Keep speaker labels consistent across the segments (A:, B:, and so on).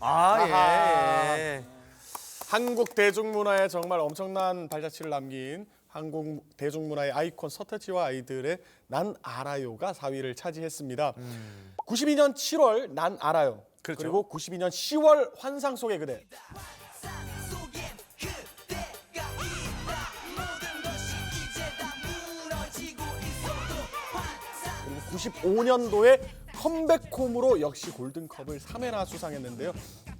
A: 아, 예.
B: 한국 대중문화에 정말 엄청난 발자취를 남긴 한국 대중문화의 아이콘 서태지와 아이들의 난 알아요가 4위를 차지했습니다. 92년 7월 난 알아요.
A: 그렇죠.
B: 그리고 92년 10월 환상 속의 그대. 그리고 95년도에 컴백홈으로 역시 골든컵을 3회나 수상했는데요.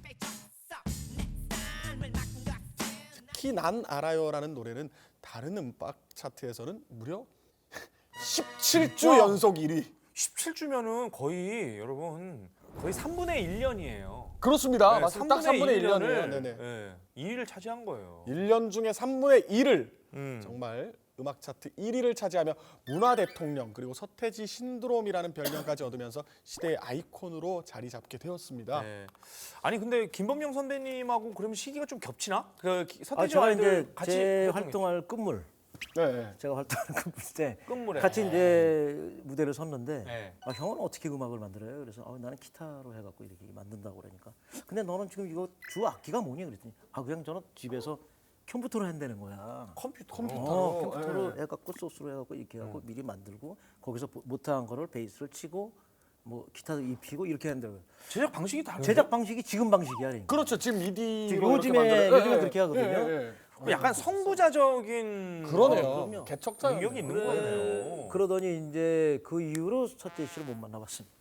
B: 특히 난 알아요라는 노래는 다른 음악 차트에서는 무려 17주 연속 1위.
A: 17주면은 거의 여러분 거의 3분의 1년이에요.
B: 그렇습니다. 맞습니다. 딱 3분의 1년이에요. 네네.
A: 네, 2위를 차지한 거예요.
B: 1년 중에 3분의 1을
A: 음.
B: 정말 음악 차트 1위를 차지하며 문화 대통령 그리고 서태지 신드롬이라는 별명까지 얻으면서 시대의 아이콘으로 자리 잡게 되었습니다.
A: 네. 아니 근데 김범용 선배님하고 그러면 시기가 좀 겹치나? 그 서태지
C: 제가
A: 아이들
C: 이제
A: 같이
C: 제
A: 활동했-
C: 활동할 끝물,
B: 네.
C: 제가 활동하는 끝물 때
A: 끝물에
C: 같이 이제 무대를 섰는데
A: 네.
C: 형은 어떻게 음악을 만들어요? 그래서 나는 기타로 해갖고 이렇게 만든다고 그러니까 근데 너는 지금 이거 주 악기가 뭐냐 그랬더니 그냥 저는 집에서 컴퓨터로 한다는 거야.
A: 컴퓨터로.
C: 컴퓨터로 해갖고 소스로 해갖고 이렇게 해갖고 미리 만들고 거기서 못한 거를 베이스를 치고 뭐 기타도 입히고 이렇게 한다고.
A: 제작 방식이 다르죠.
C: 제작 방식이 지금 방식이야. 그러니까.
B: 그렇죠. 지금 미디로
C: 지금
B: 이렇게 만들어요.
C: 요즘에 그렇게 하거든요.
A: 약간 선구자적인
B: 그러네요.
C: 그럼요.
B: 개척자
A: 능력이 있는 거네요.
C: 그러더니 이제 그 이후로 서태지 씨를 못 만나봤습니다.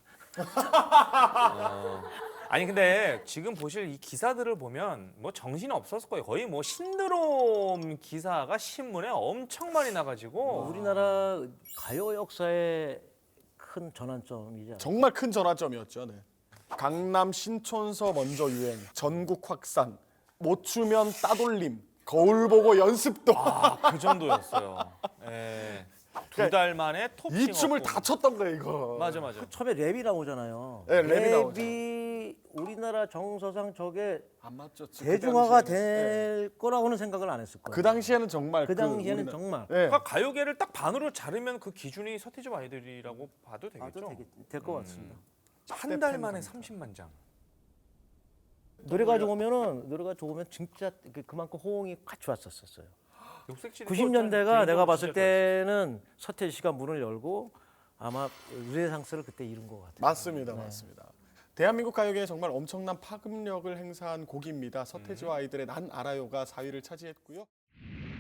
A: 아니 근데 지금 보실 이 기사들을 보면 뭐 정신이 없었을 거예요. 거의 뭐 신드롬 기사가 신문에 엄청 많이 나가지고
C: 우리나라 가요 역사의 큰 전환점이죠.
B: 정말 큰 전환점이었죠. 네. 강남 신촌서 먼저 유행, 전국 확산, 못 추면 따돌림, 거울 보고 연습도.
A: 그 정도였어요. 예. 두 달 만에 톱
B: 이 춤을
A: 싱어송.
B: 다 췄던 거예요, 이거.
A: 맞아 맞아.
C: 처음에 랩이 나오잖아요.
B: 네, 랩이 나오죠.
C: 랩이 우리나라 정서상 저게
B: 안 맞죠.
C: 대중화가
B: 그 당시에는.
C: 될 거라고는 생각을 안 했을 거예요.
B: 그 당시에는 정말
C: 그 당시에는
B: 우리나라-
C: 정말
B: 네.
A: 그러니까 가요계를 딱 반으로 자르면 그 기준이 서태지와 아이들이라고 봐도 되겠죠.
C: 될것 같습니다.
A: 한 달 만에 30만 장.
C: 노래가 좋으면 진짜 그만큼 호응이 꽉 좋았었어요.
A: 녹색실이
C: 90년대가 내가 봤을
A: 진짜
C: 때는 서태지 씨가 문을 열고 아마 르네상스를 그때 이룬 것 같아요.
B: 맞습니다, 맞습니다. 대한민국 가요계에 정말 엄청난 파급력을 행사한 곡입니다. 서태지와 아이들의 난 알아요가 4위를 차지했고요.